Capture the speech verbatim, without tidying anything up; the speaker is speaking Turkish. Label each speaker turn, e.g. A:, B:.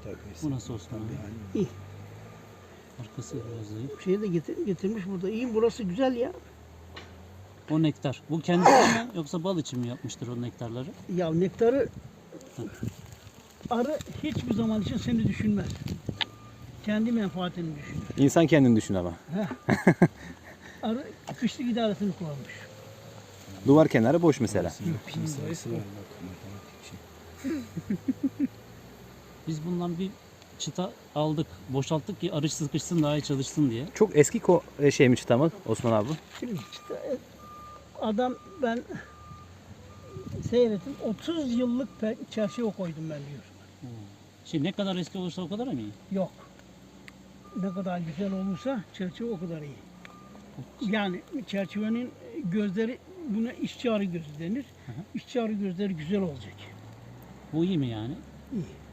A: Bu nasıl Osman abi?
B: İyi.
A: Arkası biraz zayıf.
B: Şeyi de getir, getirmiş burada. İyi, burası güzel ya.
A: O nektar. Bu kendisi mi yoksa bal için mi yapmıştır o nektarları?
B: Ya nektarı arı hiçbir zaman için seni düşünmez. Kendi menfaatini düşünür.
C: İnsan kendini düşün ama.
B: Arı kışlık idaresini kullanmış.
C: Duvar kenarı boş mesela.
A: Pin sayısı var bak matematik için. Biz bundan bir çıta aldık, boşalttık ki arı sıkışsın daha iyi çalışsın diye.
C: Çok eski ko e, şey mi çıta mı Osman abi?
B: Şimdi işte adam ben seyrettim. otuz yıllık pe- çerçeve koydum ben diyor.
A: Şey ne kadar eski olursa o kadar mı iyi?
B: Yok. Ne kadar güzel olursa çerçeve o kadar iyi. Yani çerçevenin gözleri, buna işçi arı gözü denir.
A: hı.
B: İşçi arı gözleri güzel olacak.
A: Bu iyi mi yani?
B: İyi.